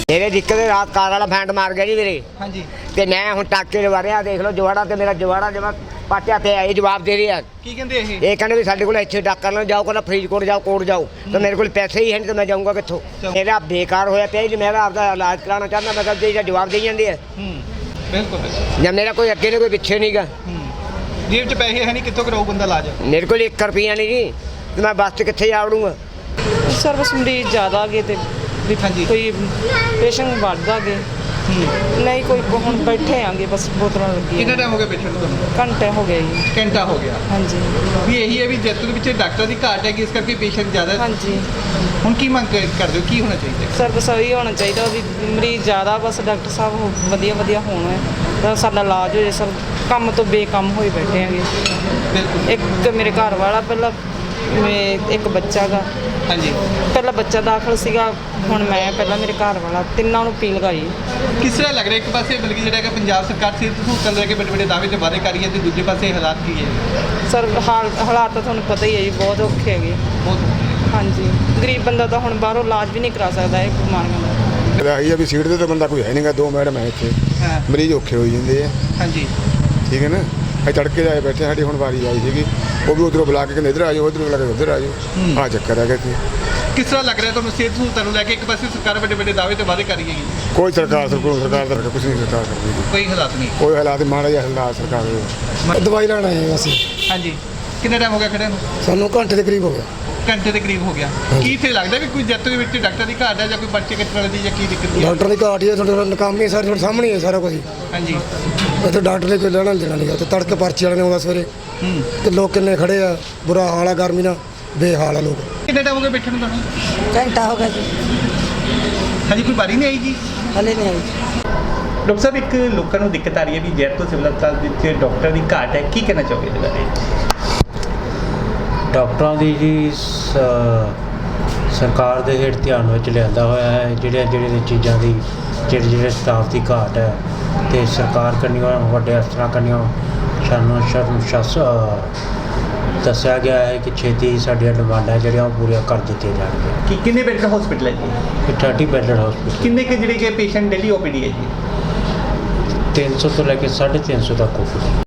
मेरे दिक्कत रात कार वाला फैंट मार गया जी मेरे। हाँ जी। ते मैं हुण टाके लवा रहा, देख लो जवाड़ा ते मेरा जवाड़ा जमा पाटिया पे ये जवाब दे रही है। की कहंदे ये कहने भी साडे कोल इत्थे डाका ना जाओ, कहना फरीदकोट जाओ, कोट जाओ। तो मेरे कोल पैसे ही है नहीं तो मैं जाऊँगा कित्थों। मेरा बेकार होया पिया जी, मेरा आपदा इलाज कराना चाहना, मैं कब जवाब दे जांदे है। बिल्कुल। या मेरा कोई अगे नहीं कोई पिछे नहीं गा। जेब च पैसे है नहीं, कित्थों कराऊ बंदा इलाज? मेरे को 1 रुपया नहीं जी, तो मैं बस कित्थे जा वड़ूंगा। सर बस मरीज ज़्यादा गए तो हाँ जी। कोई पेशेंट बढ़ता गए नहीं, कोई हम बैठे आगे बस बोतल लगी। कितना टाइम हो गया पेशेंट को? घंटे हो गए जी। घंटा हो गया। हाँ जी। भी यही है भी जैतू ਦੇ ਵਿੱਚ ਡਾਕਟਰ ਦੀ ਘਾਟ ਹੈ ਕਿ ਇਸ ਕਰਕੇ ਪੇਸ਼ੈਂਟ ਜ਼ਿਆਦਾ। हाँ जी। ਹੁਣ ਕੀ ਮੰਗ ਕਰਦੇ ਹੋ, ਕੀ ਹੋਣਾ ਚਾਹੀਦਾ? ਸਰ ਬਸ ਇਹੀ ਹੋਣਾ ਚਾਹੀਦਾ ਵੀ ਮਰੀਜ਼ ਜ਼ਿਆਦਾ ਬਸ ਡਾਕਟਰ ਸਾਹਿਬ ਵਧੀਆ ਹੋਣ ਤਾਂ ਸਾਡਾ ਇਲਾਜ ਹੋ ਜਾਏ। ਸਰ ਕੰਮ ਤੋਂ ਬੇਕਮ ਹੋਏ ਬੈਠੇ ਆਂਗੇ। ਬਿਲਕੁਲ। ਇੱਕ ਮੇਰੇ ਘਰ ਵਾਲਾ ਪਹਿਲਾਂ ਇੱਕ ਬੱਚਾ ਗਾ। हाँ जी। ਪਹਿਲਾਂ ਬੱਚਾ ਦਾਖਲ ਸੀਗਾ, ਹੁਣ ਮੈਂ ਪਹਿਲਾਂ ਮੇਰੇ ਘਰ ਵਾਲਾ, ਤਿੰਨਾਂ ਨੂੰ ਪੀ ਲਗਾਈ। ਕਿਸ ਤਰ੍ਹਾਂ ਲੱਗ ਰਿਹਾ ਇੱਕ ਪਾਸੇ ਬਲਕਿ ਜਿਹੜਾ ਕਿ ਪੰਜਾਬ ਸਰਕਾਰ ਸਿਹਤ ਸਹੂਲਤਾਂ ਲੈ ਕੇ ਵੱਡੇ ਵਾਅਦੇ ਤੇ ਵਾਅਦੇ ਕਰ ਰਹੀ ਹੈ ਤੇ ਦੂਜੇ ਪਾਸੇ ਹਾਲਾਤ ਕੀ ਹੈ? ਸਰ ਹਾਲਾਤ ਤਾਂ ਤੁਹਾਨੂੰ ਪਤਾ ਹੀ ਹੈ ਜੀ, ਬਹੁਤ ਔਖੇ ਹੈਗੇ। ਬਹੁਤ। ਹਾਂਜੀ, ਗਰੀਬ ਬੰਦਾ ਤਾਂ ਹੁਣ ਬਾਹਰੋਂ ਇਲਾਜ ਵੀ ਨਹੀਂ ਕਰਾ ਸਕਦਾ ਇਹ ਬਿਮਾਰੀਆਂ ਦਾ। ਇਹੀ ਆ ਵੀ ਸੀਟ ਤੇ ਤਾਂ ਬੰਦਾ ਕੋਈ ਹੈ ਨਹੀਂਗਾ, 2 ਮੈਡਮ ਹੈ ਇੱਥੇ, ਹਾਂ। ਮਰੀਜ਼ ਔਖੇ ਹੋਈ ਜਾਂਦੇ ਆ। ਹਾਂਜੀ। ਠੀਕ ਹੈ ਨਾ, ਅਸੀਂ ਤੜਕੇ ਜਾਏ ਬੈਠੇ, ਸਾਡੀ ਹੁਣ ਵਾਰੀ ਆਈ ਸੀਗੀ, ਉਹ ਵੀ ਉਧਰੋਂ ਬੁਲਾ ਕੇ ਕਹਿੰਦੇ ਇੱਧਰ ਆ ਜਾਓ, ਉਧਰੋਂ ਬੁਲਾ ਕੇ ਉੱਧਰ ਆ ਜਾਓ। ਆਹ ਚੱਕਰ ਹੈਗਾ ਇੱਥੇ। ਕਿਸ ਤਰ੍ਹਾਂ ਲੱਗ ਰਿਹਾ ਤੁਹਾਨੂੰ ਸਿਹਤ ਸਹੂਲਤਾਂ ਨੂੰ ਲੈ ਕੇ? ਇੱਕ ਪਾਸੇ ਸਰਕਾਰ ਵੱਡੇ ਦਾਅਵੇ ਤੇ ਵਾਅਦੇ ਕਰ ਰਹੀ ਹੈਗੀ, ਕੋਈ ਸਰਕਾਰ ਦਾ ਕੁਝ ਨਹੀਂ ਸਰਕਾਰ ਕਰਦੀ, ਕੋਈ ਹਾਲਾਤ ਨਹੀਂ। ਕੋਈ ਹਾਲਾਤ ਮਾੜਾ ਜਿਹਾ ਹਾਲਾਤ ਸਰਕਾਰ ਦੇ। ਦਵਾਈ ਲੈਣ ਆਏ ਹਾਂ ਅਸੀਂ। ਹਾਂਜੀ। ਕਿੰਨਾ ਟਾਈਮ ਹੋ ਗਿਆ ਖੜਿਆਂ ਨੂੰ? ਸਾਨੂੰ ਘੰਟੇ ਦੇ ਕਰੀਬ ਹੋ ਗਿਆ। ਘੰਟੇ ਦੇ ਕਰੀਬ ਹੋ ਗਿਆ। ਕੀ ਇੱਥੇ ਲੱਗਦਾ ਵੀ ਕੋਈ ਜੱਤ ਦੇ ਵਿੱਚ ਡਾਕਟਰ ਦੀ ਘਾਟ ਹੈ ਜਾਂ ਕੋਈ ਪਰਚੇ ਕੱਟਣ ਵਾਲੇ ਦੀ ਜਾਂ ਕੀ ਦਿੱਕਤ ਹੈ? ਡਾਕਟਰ ਦੀ ਘਾਟ ਹੀ ਹੈ, ਤੁਹਾਡੇ ਨਕਾਮੀ ਸਾਰੇ ਤੁਹਾਡੇ ਸਾਹਮਣੇ ਹੈ ਸਾਰਾ ਕੁਝ। ਹਾਂਜੀ। ਇੱਥੇ ਡਾਕਟਰ ਨੇ ਕੋਈ ਲੈਣਾ ਦੇਣਾ ਨਹੀਂ, ਤੇ ਤੜਕੇ ਪਰਚੀ ਵਾਲੇ ਨੇ ਆਉਂਦਾ ਸਵੇਰੇ। ਤੇ ਲੋਕ ਕਿੰਨੇ ਖੜੇ ਆ, ਬੁਰਾ ਹਾਲ ਆ, ਗਰਮੀ ਨਾਲ ਬੇਹਾਲ ਆ ਲੋਕ। ਕਿੰਨਾ ਟਾਈਮ ਹੋ ਗਿਆ ਬੈਠਣ ਨੂੰ ਤੁਹਾਨੂੰ? ਘੰਟਾ ਹੋ ਗਿਆ ਜੀ, ਹਾਂਜੀ। ਕੋਈ ਵਾਰੀ ਨਹੀਂ ਆਈ ਜੀ? ਹਲੇ ਨਹੀਂ ਆਈ। ਡਾਕਟਰ ਸਾਹਿਬ, ਇੱਕ ਲੋਕਾਂ ਨੂੰ ਦਿੱਕਤ ਆ ਰਹੀ ਹੈ ਵੀ ਜੈਤੋ ਸਿਵਲ ਹਸਪਤਾਲ ਵਿੱਚ ਡਾਕਟਰ ਦੀ ਘਾਟ ਹੈ, ਕੀ ਕਹਿਣਾ ਚਾਹੋਗੇ ਇਹਦੇ ਬਾਰੇ? ਡਾਕਟਰਾਂ ਦੀ ਜੀ ਸਰਕਾਰ ਦੇ ਹੇਠ ਧਿਆਨ ਵਿੱਚ ਲਿਆਂਦਾ ਹੋਇਆ ਹੈ ਜਿਹੜੀਆਂ ਚੀਜ਼ਾਂ ਦੀ ਜਿਹੜੇ ਸਟਾਫ ਦੀ ਘਾਟ ਹੈ, ਅਤੇ ਸਰਕਾਰ ਕੰਨਿਓ ਵੱਡੇ ਅਫਸਰਾਂ ਕੰਨਿਓ ਸਾਨੂੰ ਦੱਸਿਆ ਗਿਆ ਹੈ ਕਿ ਛੇਤੀ ਸਾਡੀਆਂ ਡਿਮਾਂਡਾਂ ਜਿਹੜੀਆਂ ਉਹ ਪੂਰੀਆਂ ਕਰ ਦਿੱਤੀਆਂ ਜਾਣਗੀਆਂ। ਕਿ ਕਿੰਨੇ ਬੈੱਡ ਦਾ ਹਸਪੀਟਲ ਹੈ ਜੀ? 30 ਬੈੱਡਡ ਹਸਪੀਟਲ। ਕਿੰਨੇ ਕਿ ਜਿਹੜੇ ਕਿ ਪੇਸ਼ੈਂਟ ਡੇਲੀ ਓਪੀਡੀ ਹੈ ਜੀ? 300 ਤੋਂ ਲੈ ਕੇ 350 ਤੱਕ ਹੋਊਗੀ।